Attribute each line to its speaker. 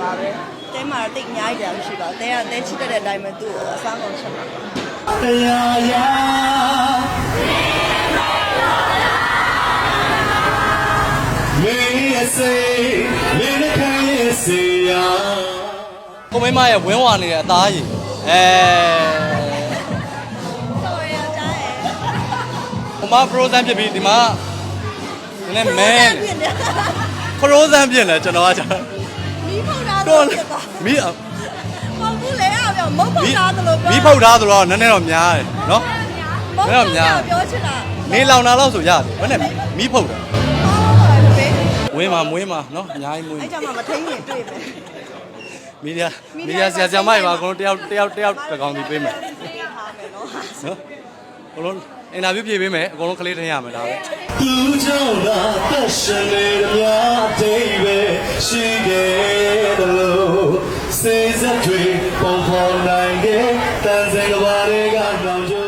Speaker 1: ပါပဲတဲမှာတိတ်အများကြီးကြာမရှိပါဘူးတဲကတဲချစ်တဲ့အတိုင်းပဲသူ့ကိုအစားကုန်ချက်ပါ
Speaker 2: တရားရမေးစေမင်းခိုင်းရစေရ
Speaker 3: ကိုမိမရဲ့ဝင်းဝါနေတဲ့အသားကြီး
Speaker 1: တော်ရကြားရဲ့
Speaker 3: ဟိုမှာ frozen ဖြစ်ပြီးဒီမှာနည်းနည်းမဲfrozen ဖြစ်နေကျွန်တော်ကကြာ
Speaker 1: မီးဖုတ်ထားတော့
Speaker 3: မီး
Speaker 1: မဟုတ်ဘူးလေအောင်ပြောမုတ်ဖုတ်ထားသလိုပြော
Speaker 3: မီးဖုတ်ထားသလိုနည်းနည်းတော့များတယ်နော်
Speaker 1: နည်းတော့များပြောချင်တာ
Speaker 3: နေလောင်တာတော့ဆိုရတယ်ဘယ်နဲ့မီးဖုတ်တာဝင်းမှာမွေးမှာနော်အများကြီးမွေး
Speaker 1: အဲ့ကြမှာမထိန်ရင်တွေ့မယ်
Speaker 3: မီဒီယာဆရာမတွေပါအကုန်လုံးတယောက်တစ်ကောင်စီပေးမယ်နော်အကုန်လုံးအင်တာဗျူးဖြေပေးမယ်အကုန်လုံးကလေးထင်ရမယ်ဒါပဲ
Speaker 2: သူကြောင့်သာသက်ရှင်နေမြတ်အိပဲရှိခဲ့တယ်လို့စေစက်တွေပုံဖော်နိုင်ခဲ့တန်စင်ကဘာတွေကနောင်ကျ